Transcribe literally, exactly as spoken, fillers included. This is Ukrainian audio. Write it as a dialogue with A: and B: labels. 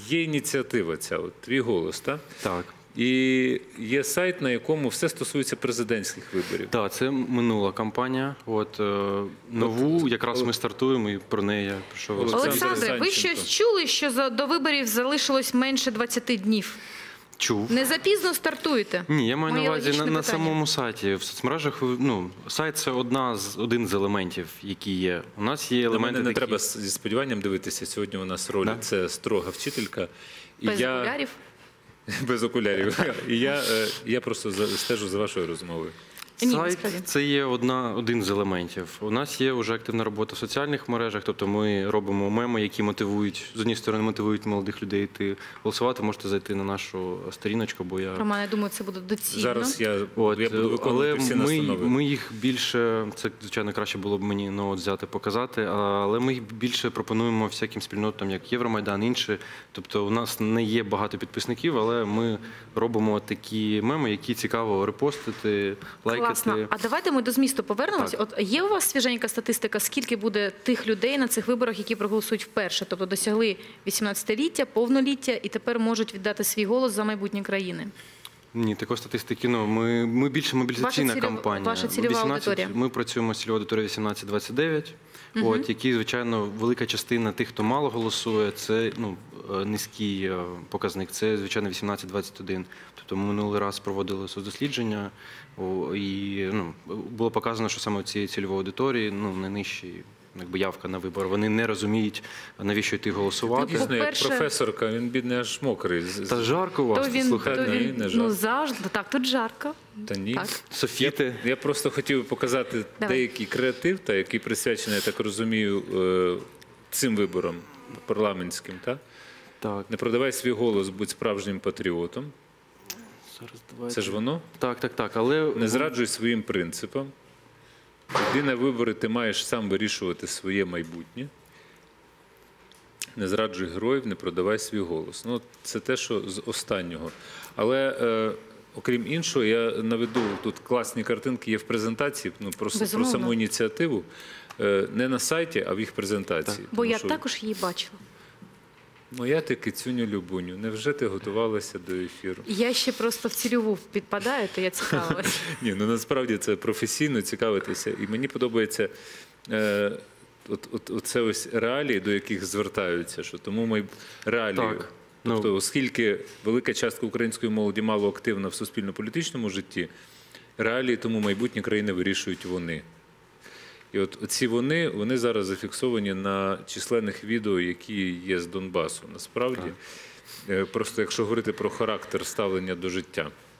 A: є ініціатива ця, от, «Твій голос», так?
B: Так.
A: І є сайт, на якому все стосується президентських виборів.
B: Так, це минула кампанія. От, е, нову якраз ми стартуємо, і про неї я прийшов.
A: Олександр
C: Олександре, ви
A: Санченко.
C: щось чули, що за- до виборів залишилось менше двадцяти днів?
B: Чув.
C: Не запізно стартуєте?
B: Ні, я маю
C: Моє
B: на увазі на,
C: логічне
B: на
C: питання.
B: самому сайті. В соцмережах, ну, сайт – це одна з, один з елементів, які є. У нас є
A: До
B: елементи
A: мене не
B: такі...
A: треба зі сподіванням дивитися. Сьогодні у нас роль
B: Да.
A: це строга вчителька. І
C: Без
A: я...
C: окулярів?
A: Без окулярів. І я, е, я просто за- стежу за вашою розмовою.
C: Ні,
B: Сайт
C: насправді.
B: – це є одна, один з елементів. У нас є вже активна робота в соціальних мережах, тобто ми робимо меми, які мотивують, з однієї сторони мотивують молодих людей йти голосувати. Можете зайти на нашу сторіночку, бо я...
C: Роман, я думаю, це буде доцільно.
A: Зараз я,
B: От,
A: я буду виконувати
B: але
A: всі
B: ми,
A: настанови.
B: ми їх більше, це, звичайно, краще було б мені ну, от взяти, показати, але ми їх більше пропонуємо всяким спільнотам, як Євромайдан, інші. Тобто у нас не є багато підписників, але ми робимо такі меми, які цікаво репостити, лайкати.
C: Класно. А давайте ми до змісту повернемось.
B: Так.
C: От є у вас свіженька статистика, скільки буде тих людей на цих виборах, які проголосують вперше, тобто досягли вісімнадцятиліття, повноліття і тепер можуть віддати свій голос за майбутнє країни?
B: Ні, такої статистики, ну, ми, ми більше мобілізаційна
C: Ваша цільова-
B: кампанія.
C: ваша цільова
B: вісімнадцять
C: аудиторія.
B: Ми працюємо з цільовою аудиторією вісімнадцять двадцять дев'ять, от, які, звичайно, велика частина тих, хто мало голосує, це ну, е, низький е, показник, це, звичайно, вісімнадцять двадцять один. Тобто ми минулий раз проводили соцдослідження, о, і ну, було показано, що саме у цієї цільової аудиторії ну, найнижчий якби явка на вибори. Вони не розуміють, навіщо йти голосувати.
A: Дійсно, як
C: По-перше-
A: професорка, він бідний аж мокрий. З-
B: Та
A: з-
B: жарко у вас,
C: То він,
B: слухайте.
C: то
A: ні,
C: він
A: не
C: ну,
A: жарко.
C: завжди. Так, тут жарко.
A: Та ні.
C: Так.
B: Софіти.
A: Я просто хотів показати
C: Давай.
A: деякий креатив, та, який присвячений, я так розумію, е, цим виборам парламентським. Та?
B: Так,
A: Не продавай свій голос, будь справжнім патріотом.
B: зараз давайте.
A: Це ж воно.
B: Так, так, так, але...
A: Не зраджуй своїм принципам. Йди на вибори, ти маєш сам вирішувати своє майбутнє. Не зраджуй героїв, не продавай свій голос. Ну, це те, що з останнього. Але, е, окрім іншого, я наведу, тут класні картинки є в презентації, ну, про, с- про
C: Безумовно.
A: саму ініціативу. Е, не на сайті, а в їх презентації.
C: Бо
A: Тому
C: я
A: що
C: також її бачила.
A: Моя ти кицюню Любуню, невже ти готувалася до ефіру?
C: Я ще просто в цільову підпадаю, то я цікавилась.
A: Ні, ну насправді це професійно цікавитися. І мені подобається е, от, от, оце ось реалії, до яких звертаються. Що тому ми реалії.
B: Так.
A: Тобто,
B: Ну.
A: оскільки велика частка української молоді мало активна в суспільно-політичному житті, реалії тому майбутнє країни вирішують вони. І от ці вони, вони зараз зафіксовані на численних відео, які є з Донбасу. Насправді, Е, просто якщо говорити про характер ставлення до життя.